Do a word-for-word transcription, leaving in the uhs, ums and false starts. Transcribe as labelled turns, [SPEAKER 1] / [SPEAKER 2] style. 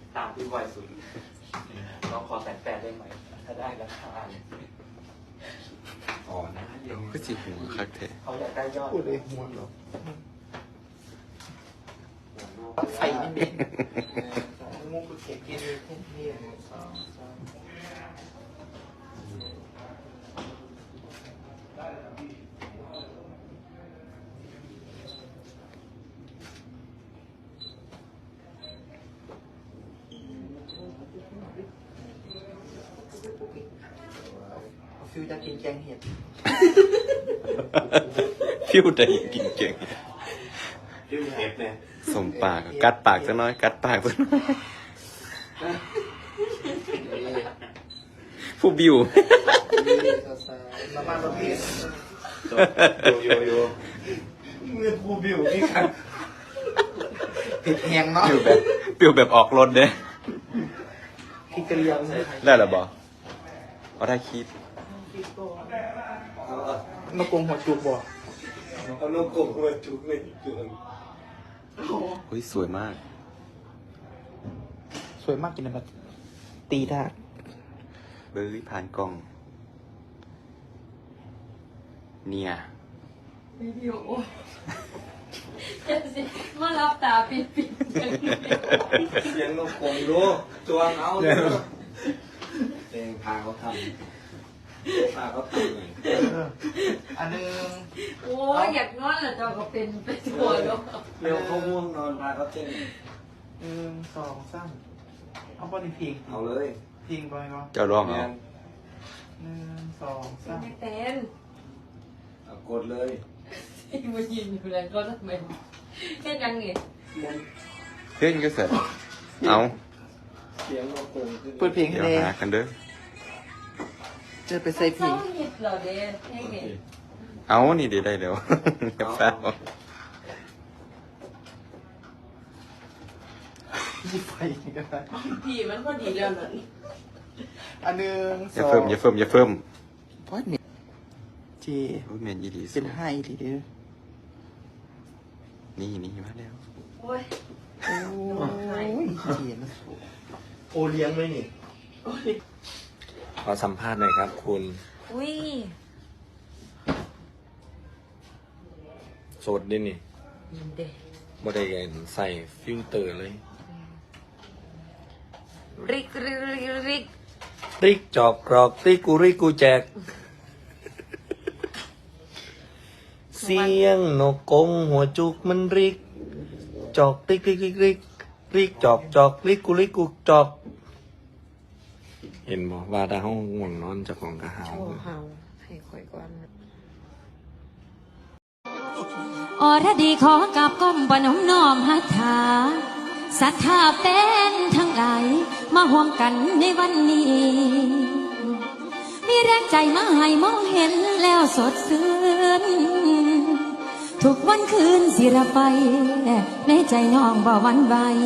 [SPEAKER 1] ตามที่บ่อยสุดน้องขอแสนแปดได้ไหมถ้าได้ราคาอ๋อนะเดี๋ยว
[SPEAKER 2] ก็จีหัวคักแท้
[SPEAKER 1] เขาอยากได้ยอด
[SPEAKER 3] พูดเลยหัวหรอไฟนี่เด็กมุกเก็บกินเพื่อนเพื่อนสองสามฟิวจะกินแกงเห็ด
[SPEAKER 2] ฟิวได้กินเก่ง
[SPEAKER 1] ฟิวเห็ดเนี่ย
[SPEAKER 2] สมปากกัดปากซะน้อยกัดปากซะน้อยผู้บิว
[SPEAKER 3] มามาประเภท
[SPEAKER 1] โยโยโย
[SPEAKER 3] เงินผู้บิวนี่ครับผิดแหงเนาะ
[SPEAKER 2] บิวแบบบิวแบบออกรถเด้
[SPEAKER 3] พี่กระเลียงใส่
[SPEAKER 2] ได้หรอบอเอาได้คิด
[SPEAKER 3] มาโกงหัวจุกบ่
[SPEAKER 1] เอาลูกกบมาจุกเลยจุก
[SPEAKER 2] เฮ้ยสวยมาก
[SPEAKER 3] สวยมากกินอะไรตีได้
[SPEAKER 2] เบอร์รี่ผ่านกล้อง เนี่ย
[SPEAKER 4] วิดีโอเจ็บสิมารับตาปิดปิด
[SPEAKER 1] เสียงลูกกบดูจวงเอาเลยเองพาเขาทำพาเขาทำเลย
[SPEAKER 3] อันนึง
[SPEAKER 4] โอ้ยอยากนอนแล้วเจ้าก็เป็นไปทั่วโลก
[SPEAKER 1] เร็วเขาง่วงนอนพาเขาเต้น
[SPEAKER 3] หนึ่งสองสามเอาบอลเพลง
[SPEAKER 1] เอาเลย
[SPEAKER 3] เพลงไปก็
[SPEAKER 2] เจ้าร้องเอา
[SPEAKER 3] หนึ่งสองสาม
[SPEAKER 4] ไม่เป็น
[SPEAKER 1] เอากดเลย
[SPEAKER 4] ที่มายืนอยู่แล้วก็ทำไมแค่ยังไง
[SPEAKER 2] เพื่อนก็เสร็จเอา
[SPEAKER 1] เสียงลูกกบขึ้น
[SPEAKER 3] เปิดเพลงให้
[SPEAKER 2] เดี๋ยว
[SPEAKER 3] เลย
[SPEAKER 2] หากันเด้อ
[SPEAKER 3] จะไปใส่เพ
[SPEAKER 4] เศ
[SPEAKER 3] ล
[SPEAKER 4] ร้าง หิดเหรอเด้แค่ไง
[SPEAKER 2] เอานี่เดี๋ยวได้เดี๋ยวกับแฟน
[SPEAKER 3] ยี่ไฟก็ได้
[SPEAKER 4] พี่มันก็ดีแล้วนั่น
[SPEAKER 3] อันหนึ่ง
[SPEAKER 2] อ
[SPEAKER 3] ส
[SPEAKER 2] ย่า
[SPEAKER 3] อง
[SPEAKER 2] เพิ่มอย่าเพิ่มอย่าเพิ่ม
[SPEAKER 3] พอดเนี่ยเจ
[SPEAKER 2] โอ้ยแมนยีดีสุ
[SPEAKER 3] เป็
[SPEAKER 2] ด
[SPEAKER 3] นไฮทีเดียว
[SPEAKER 2] นี่นี่มาแล้ว
[SPEAKER 4] โอ้ย
[SPEAKER 3] โอ้ยเจียนะ
[SPEAKER 1] โอเลี้ยงไหมนี่ขอสัมภาษณ์หน่อยครับคุณ
[SPEAKER 4] อุ้ย
[SPEAKER 1] โสดดินี่
[SPEAKER 4] ยินเด้
[SPEAKER 1] บ่ได้ใส่ฟิลเตอร์เลย
[SPEAKER 4] ริกริกริกริก
[SPEAKER 1] ติ๊กจอกกรอกติ๊กกูริกกูแจก เสียงนกกงหัวจุกมันริก จอกติ๊กริกริกริกริกจอกจอกริกกูริกกูจอก เห็นบ่ว่าดาห้องง่วงนอนเจ้าของกระหาว
[SPEAKER 4] โอ้เฮาให้ค่อยก่อน
[SPEAKER 5] อรดีขอกับก้มปนมน้อมหัตถาศรัทธาแฟนทั้งหลายมาห่วมกันในวันนี้ มีแรงใจมาให้มองเห็นแล้วสดชื่นทุกวันคืนสิระไปในใจน้องบ่หวั่นไหว